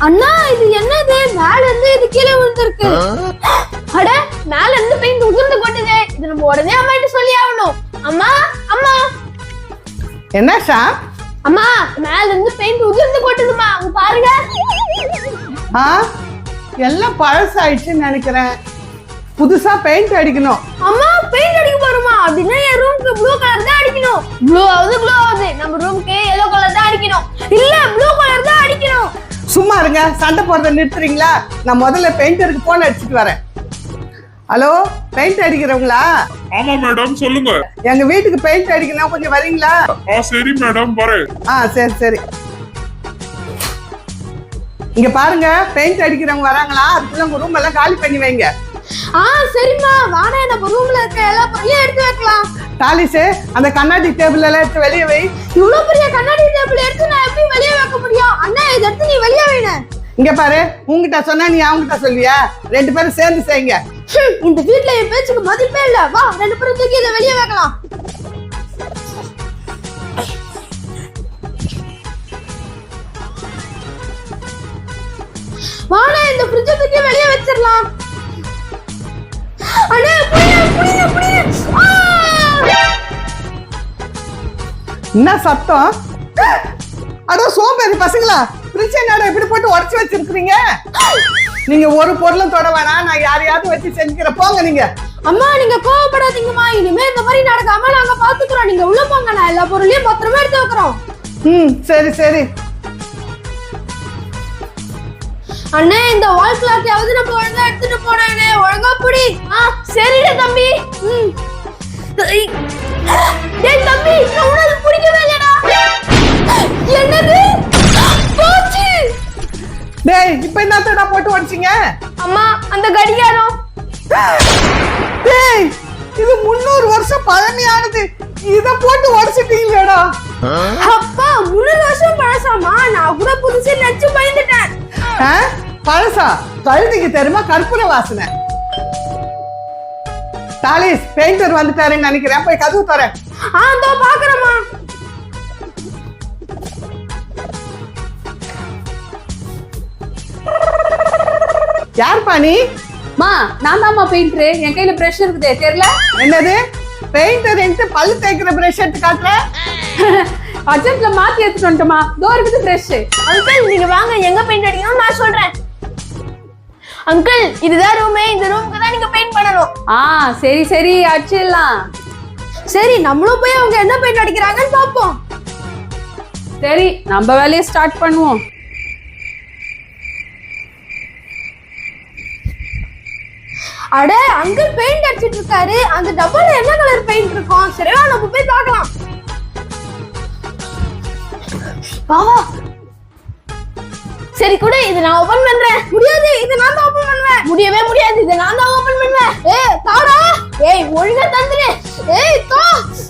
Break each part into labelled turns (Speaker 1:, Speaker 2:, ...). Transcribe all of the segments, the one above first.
Speaker 1: அண்ணா இது என்னது? மேல இருந்து இது கீழே விழுந்திருக்கு. அட, மேல இருந்து பெயிண்ட் உதிர்ந்து கொட்டுதே. இது நம்ம உடனே அம்மாட்ட சொல்லி ஆகணும். அம்மா அம்மா
Speaker 2: என்ன ஷா?
Speaker 1: அம்மா, மேல இருந்து பெயிண்ட் உதிர்ந்து கொட்டுதுமா, அங்க பாருங்க.
Speaker 2: எல்லாம் பழசாயிடுச்சுன்னு நினைக்கிறேன். புதுசா பெயிண்ட் அடிக்கணும்.
Speaker 1: அம்மா, பெயிண்ட் அடிக்க போறோமா? அப்படின்னா என் ரூமுக்கு ப்ளூ கலர் தான் அடிக்கணும். ப்ளூ ஆகுது. நம்ம ரூமுக்கு எல்லோ கலர் தான் அடிக்கணும். இல்ல, ப்ளூ கலர் தான் அடிக்கணும்.
Speaker 2: சும்மா இருங்க, சண்டை போடுறத நிறுத்துறீங்களா? நான் முதல்ல பெயிண்டருக்கு போன் அடிச்சுட்டு வரேன். ஹலோ, பெயிண்ட் அடிக்கிறவங்களா?
Speaker 3: ஆமா மேடம், சொல்லுங்க.
Speaker 2: எங்க வீட்டுக்கு பெயிண்ட் அடிக்கணும், கொஞ்சம் வரீங்களா?
Speaker 3: சரி மேடம், வரேன்.
Speaker 2: சரி. இங்க பாருங்க, பெயிண்ட் அடிக்கிறவங்க வராங்களா? அதுக்குள்ள உங்க ரூம் எல்லாம் காலி பண்ணி வைங்க.
Speaker 1: சரிம்மா, வாடா, நம்ம ரூம்ல இருக்க எல்லா பொருளையும் எடுத்து வைக்கலாம்.
Speaker 2: தாலிசே, அந்த கண்ணாடி டேபிள் எல்லாம் எடுத்து வெளியே வை.
Speaker 1: இவ்வளவு பெரிய கண்ணாடி டேபிள் எடுத்து நான் எப்படி வெளியே வைக்க முடியும்? அண்ணா, இதை எடுத்து நீ வெளியே வைன.
Speaker 2: இங்க பாரு, உங்ககிட்ட சொன்னா நீ அவங்ககிட்ட சொல்லியா? ரெண்டு பேரும் சேர்ந்து செய்யுங்க.
Speaker 1: இந்த வீட்ல என் பேச்சுக்கு மதிப்பே இல்ல. வா, ரெண்டு பேரும் தூக்கி இதை வெளியே வைக்கலாம். வாடா, இந்த ஃப்ரிட்ஜை தூக்கி வெளியே வச்சிடலாம். அண்ணே, புடிங்க.
Speaker 2: என்ன சத்தம்? அட சோம்பேறி பசங்களா, ஃப்ரிட்ஜ் என்னடா இப்படி போட்டு உடைச்சு வச்சிருக்கீங்க? நீங்க ஒரு பொருளும் தொட வேணாம், நான் யாரையாவது வச்சு செஞ்சுக்கிறேன். போங்க நீங்க.
Speaker 1: அம்மா, நீங்க கோவப்படாதீங்கம்மா. இனிமே இந்த மாதிரி நடக்காம நாங்க பாத்துக்கிறோம். நீங்க உள்ள போங்க, நான் எல்லா பொருளையும் பத்திரமா எடுத்து வைக்கிறோம்.
Speaker 2: சரி.
Speaker 1: அண்ணே, இந்த வால் கிளாக்கையாவது நம்ம ஒழுங்கா எடுத்துட்டு போனேனே. ஒழுங்கா புடி. சரிடா தம்பி. டேய் தம்பி, நான் உனக்கு பிடிக்கவே இல்லடா. என்னது? போச்சு.
Speaker 2: டேய், இப்போ என்னத்தடா போட்டு உடைச்சீங்க?
Speaker 1: அம்மா, அந்த கடிகாரம்.
Speaker 2: டேய், இது 300 வருஷம் பழமையானது. இத போட்டு உடைச்சிட்டீங்களேடா.
Speaker 1: அப்பா, 300 வருஷம் பழசாமா? நான் கூட புதுசு நினைச்சு பயந்துட்டேன்.
Speaker 2: பழசா? கழுதிக்கு தெரியுமா கற்பூர வாசனை? தாலிஸ், பெயிண்டர் வந்துட்டாருன்னு நினைக்கிறேன். போய் கதவு தரேன்.
Speaker 1: தோ பாக்குறேம்மா.
Speaker 2: யார் பாணி?
Speaker 4: மா, நான் தான்மா பெயிண்டர். என் கையில பிரஷ் இருக்குதே, தெரியல?
Speaker 2: என்னது? பெயிண்டர் என்கிட்ட பல்லு தேய்க்கிற பிரஷ் எடுத்து காட்டுற?
Speaker 4: அர்ஜென்ட்ல மாத்தி எடுத்துட்டு வந்துட்டோமா. தோ இருக்குது பிரஷ்.
Speaker 1: அங்கிள், நீங்க வாங்க, எங்க பெயிண்ட் அடிக்கணும் நான் சொல்றேன். அங்கிள், இதுதான் ரூமே. இந்த ரூமுக்கு தான் நீங்க பெயிண்ட் பண்ணணும்.
Speaker 4: சரி அடிச்சிடலாம்.
Speaker 1: சரி, நம்மளும் போய் அவங்க என்ன பெயிண்ட் அடிக்கிறாங்கன்னு பாப்போம்.
Speaker 4: சரி, நம்ம வேலையை ஸ்டார்ட் பண்ணுவோம்.
Speaker 1: அட, அங்கிள் பெயிண்ட் அடிச்சிட்டு இருக்காரு. அந்த டப்பால என்ன கலர் பெயிண்ட் இருக்கும்? சரியா, நம்ம போய் பார்க்கலாம். வா. சரி கூட, இது நான் ஓபன் பண்றேன். முடியாது, இது நான் தான் ஓபன் பண்ணுவேன். முடியவே முடியாது, இது நான் தான் ஓபன் பண்ணுவேன். தாடா. ஒழுங்கா தந்துரு. தா.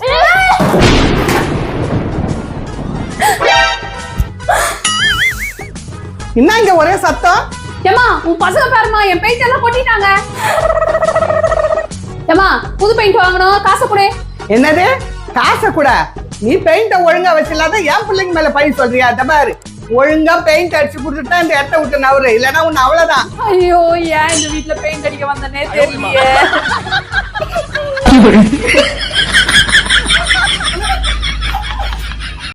Speaker 2: என்ன இங்க ஒரே சத்தம்?
Speaker 4: ஏமா, உன் பசங்க பாருமா, என் பெயிண்ட் எல்லாம் கொட்டிட்டாங்க. ஏமா, புது பெயிண்ட் வாங்கணும், காசை கொடு.
Speaker 2: என்னது? காசை கூட? நீ பெயிண்ட ஒழுங்கா வச்சிடலாத என் பிள்ளைங்க மேல பழி சொல்றியா? தபாரு, ஒழுங்கா பெயிண்ட் அடிச்சு கொடுத்துட்டா இந்த இடத்த விட்டு நவரு, இல்லன்னா உன்னை அவ்வளவுதான்.
Speaker 4: ஐயோ, ஏன் இந்த வீட்டுல பெயிண்ட் அடிக்க வந்தனே தெரியலையே.